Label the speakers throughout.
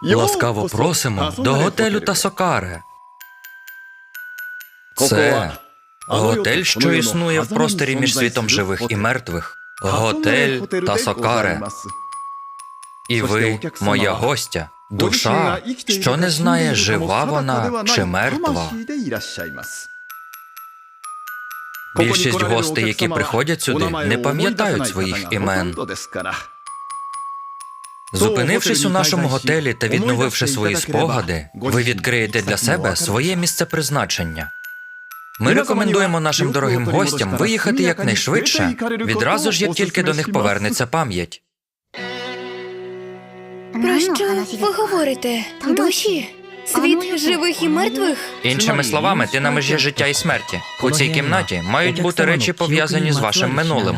Speaker 1: Ласкаво просимо до готелю Тасокаре. Це готель, що існує в просторі між світом живих і мертвих. Готель Тасокаре. І ви – моя гостя, душа, що не знає, жива вона чи мертва. Більшість гостей, які приходять сюди, не пам'ятають своїх імен. Зупинившись у нашому готелі та відновивши свої спогади, ви відкриєте для себе своє місце призначення. Ми рекомендуємо нашим дорогим гостям виїхати якнайшвидше, відразу ж, як тільки до них повернеться пам'ять.
Speaker 2: Про що ви говорите? Душі? Світ живих і мертвих?
Speaker 1: Іншими словами, ти на межі життя і смерті. У цій кімнаті мають бути речі, пов'язані з вашим минулим.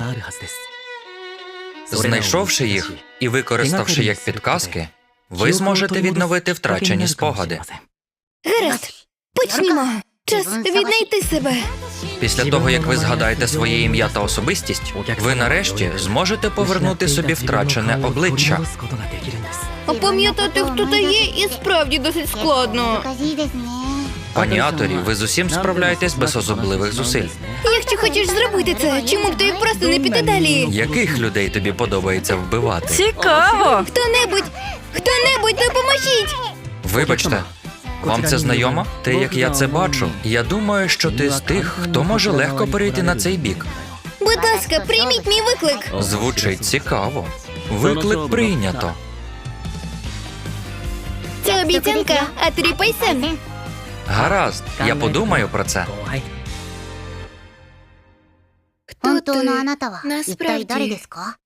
Speaker 1: Знайшовши їх і використавши як підказки, ви зможете відновити втрачені спогади.
Speaker 2: Гаразд, почнімо. Час віднайти себе.
Speaker 1: Після того, як ви згадаєте своє ім'я та особистість, ви нарешті зможете повернути собі втрачене обличчя.
Speaker 2: Опам'ятати, хто ти є, і справді досить складно.
Speaker 1: Пані Аторі, ви з усім справляєтесь без особливих зусиль.
Speaker 2: Якщо хочеш зробити це, чому б тобі просто не піти далі?
Speaker 1: Яких людей тобі подобається вбивати?
Speaker 2: Цікаво! Хто-небудь, допоможіть!
Speaker 1: Вибачте, вам це знайомо? Те, як я це бачу, я думаю, що ти з тих, хто може легко перейти на цей бік.
Speaker 2: Будь ласка, прийміть мій виклик.
Speaker 1: Звучить цікаво. Виклик прийнято.
Speaker 2: Це обіцянка, Аторі Пай-сан.
Speaker 1: Гаразд, я подумаю про це.
Speaker 2: Хто ти?
Speaker 3: 本当のあなたは一体誰
Speaker 2: Насправді,
Speaker 3: ですか